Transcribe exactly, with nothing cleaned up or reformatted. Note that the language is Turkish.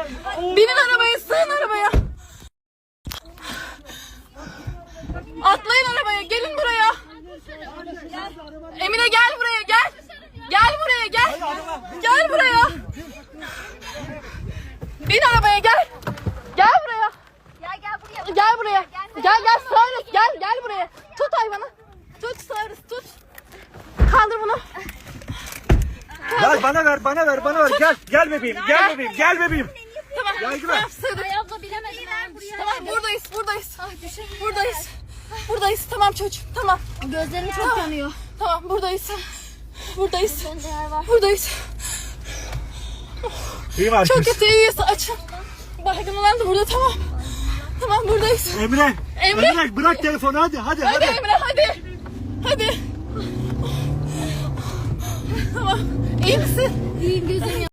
Binin arabaya, sığın arabaya. Atlayın arabaya, gelin buraya. Emine gel buraya, gel. Gel buraya, gel. Gel buraya. Bin arabaya, gel. Gel buraya. Gel gel buraya. Gel buraya. Gel gel sığarız, gel gel buraya. Tut hayvanı. Tut sığarız, tut. Kaldır bunu. Gel bana ver, bana ver, bana ver. Gel, gel bebeğim, gel bebeğim, gel bebeğim. Tamam, Gel güven. tamam sığdık. Ayazla bilemedim. Buraya. Tamam buradayız, buradayız. Buradayız. Buradayız, tamam çocuğum, tamam. Gözlerim çok yanıyor. Tamam buradayız. Buradayız. Bende yer var. Buradayız. İyi var Çok kız. kötü, iyiyiz, açın. Baygın olan da burada, tamam. Tamam buradayız. Emre, Emre. Emre bırak telefonu hadi, hadi, Hadi hadi. Emre, hadi. Hadi. Tamam. İyi misin? İyiyim, gözüm yanıyor.